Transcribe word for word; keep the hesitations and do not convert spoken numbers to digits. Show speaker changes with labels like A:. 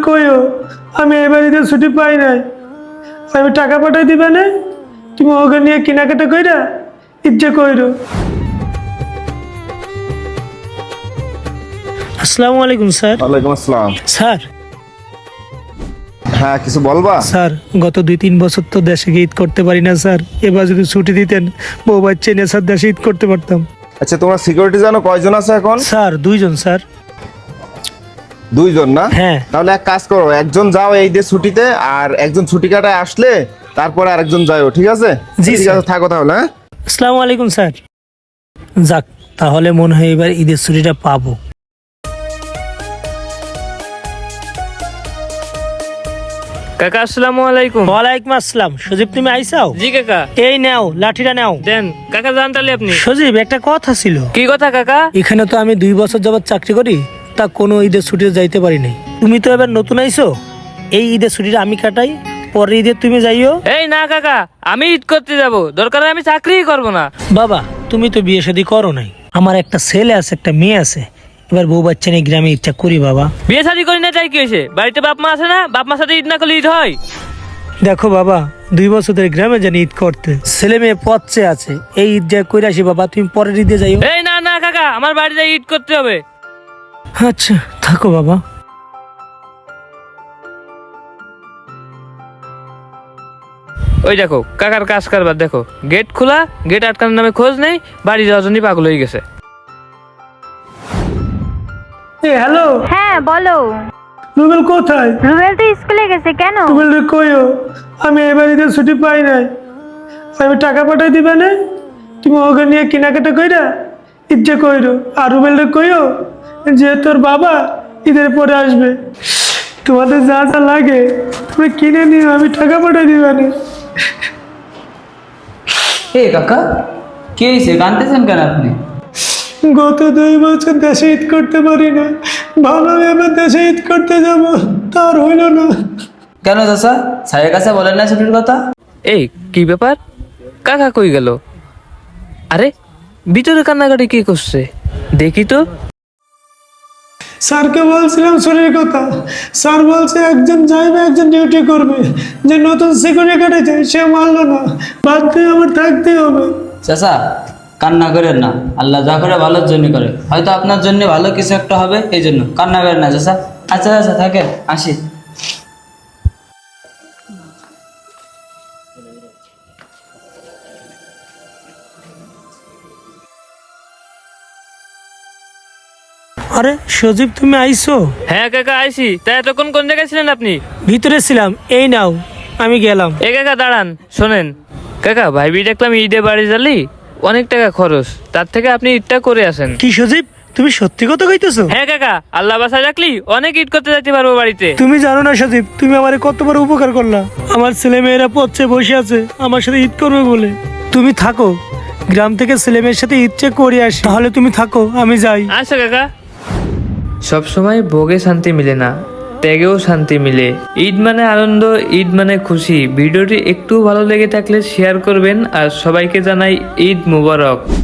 A: কইও আমি এবার ঈদের ছুটি পাই নাই, আমি টাকা পাঠাই দিবে না, তুমি ওকে নিয়ে কেনাকাটা কইরা ইজ্জা কইরো। আসসালামু আলাইকুম স্যার।
B: ওয়ালাইকুম আসসালাম।
A: স্যার
B: হ্যাঁ, কিছু বলবা?
A: স্যার গত দুই তিন বছর তো দেশে গিয়ে ঈদ করতে পারি না স্যার, এবার যদি ছুটি দিতেন বউ বাচ্চা নিয়ে স্যার দেশে ঈদ করতে পারতাম।
B: আচ্ছা, তোমরা সিকিউরিটি জানো কয়জন আছে এখন?
A: স্যার দুইজন স্যার।
B: দুইজন না?
A: হ্যাঁ।
B: তাহলে এক কাজ করো, একজন যাও এই দিয়ে ছুটিতে, আর একজন ছুটি কাটায় আসলে তারপরে আরেকজন যাও, ঠিক আছে?
A: জি,
B: ঠিক
A: স্যার।
B: আছে, থাকো তাহলে। হ্যাঁ,
A: আসসালামু আলাইকুম স্যার। যাক, তাহলে মনে হয় এবার ঈদের ছুটিটা পাবো।
C: কাকা আসসালামু আলাইকুম।
A: ওয়ালাইকুম আসসালাম। সজীব তুমি আইসাও?
C: জি কাকা।
A: এই নাও লাঠিটা নাও।
C: দেন কাকা, জান তাহলে আপনি।
A: সজীব একটা কথা ছিল।
C: কি কথা কাকা?
A: এখানে তো আমি দুই বছর যাবত চাকরি করি, তা কোনো ঈদের ছুটিতে যাইতে পারি নাই। তুমি তো এবার নতুন আইছো, এই ঈদের ছুটিটা আমি কাটাই, পরের ঈদের তুমি যাইও।
C: এই না কাকা, আমি ঈদ করতে যাব, দরকার হয় আমি চাকরিই করব না।
A: বাবা তুমি তো বিয়ে শাদী করো নাই, আমার একটা ছেলে আছে একটা মেয়ে আছে, এবার বউ বাচ্চা নিয়ে গ্রামে ইচ্ছা করি বাবা।
C: বিয়ে শাদী করি না তাই কি হয়েছে? বাড়িতে বাপ মা আছে না? বাপ মার সাথে ঈদ না করলে ঈদ হয়?
A: দেখো বাবা, দুই বছর ধরে গ্রামে জানি ঈদ করতে, ছেলে মেয়ে পথে আছে, এই ঈদ যা কইরা আসি বাবা, তুমি পরের ঈদে যাইও।
C: এই না না কাকা, আমার বাড়িতে ঈদ করতে হবে।
A: আচ্ছা থাকো বাবা।
C: ওই দেখো কাকার কাজ কারবার দেখো, গেট খোলা, গেট আটকানোর নামে খোঁজ নেই, বাড়ি যাওয়ার জন্য পাগল হয়ে গেছে।
A: হ্যালো
D: হ্যাঁ বলো।
A: রুবেল কোথায়?
D: রুবেল তো স্কুলে গেছে, কেন?
A: রুবেল রে কইও আমি এবার ঈদের ছুটি পাই নাই, আমি টাকা পাঠাই দিবে না, তুমি ওকে নিয়ে কেনাকাটা কইরা ইজ্জা কইরো। আর রুবেল রে কইও যে তোর বাবা ঈদের পরে আসবে, তোমাদের যা যা লাগে তুমি কিনে নিও, আমি টাকা পাঠাই দিবে না।
E: এ কাকা, কে হয়েছে? কাঁদতেছেন কেন আপনি?
A: গত দুই বছর দেশে ঈদ করতে পারি না, ভালো এবার দেশে ঈদ করতে যাব, তার হইল না।
E: কেন চাচা, স্যারের কাছে বলেন না ছুটির কথা?
C: এই কি ব্যাপার, কাকা কই গেল? আরে ভিতরে কান্নাকাটি কি করছে দেখি তো।
A: স্যারকে বলছিলাম ছুটির কথা, স্যার বলছে একজন যাইবে একজন ডিউটি করবে, যে নতুন সিকিউরিটি কাটেছে সে মানলো না, বাদ দিয়ে আমার থাকতে হবে।
E: চাচা কান্না করেন না, আল্লাহ যা করে ভালোর জন্য করে, হয়তো আপনার জন্য ভালো কিছু একটা হবে, এই জন্য কান্না করেন না চাচা। আচ্ছা আচ্ছা থাকেন, আসি।
A: আরে সজীব তুমি আইছো?
C: হ্যাঁ কাকা আইছি। তাই এতক্ষণ কোন জায়গায় ছিলেন আপনি?
A: ভিতরে ছিলাম, এই নাও আমি গেলাম।
C: এ কাকা দাঁড়ান, শোনেন কাকা, ভাইবি দেখলাম ঈদে বাড়ি যালি অনেক টাকা খরচ, তার থেকে আপনি ঈদটা করে আসেন।
A: কি সজীব তুমি সত্যি কথা কইতেছো?
C: হ্যাঁ কাকা, আল্লাহ বাসায় রাখলি অনেক ঈদ করতে যাইতে পারবো বাড়িতে।
A: তুমি জানো না সজীব, তুমি আমারে কত বড় উপকার করলা, আমার ছেলে মেয়েরা পথে বসে আছে আমার সাথে ঈদ করবে বলে। তুমি থাকো, গ্রাম থেকে ছেলে মেয়ের সাথে ঈদ চেক করে আসি, তাহলে তুমি থাকো আমি যাই।
C: আচ্ছা কাকা। সবসময় ভোগে শান্তি মিলে না, ত্যাগেও শান্তি মিলে। ঈদ মানে আনন্দ, ঈদ মানে খুশি। ভিডিওটি একটু ভালো লেগে থাকলে শেয়ার করবেন, আর সবাইকে জানাই ঈদ মুবারক।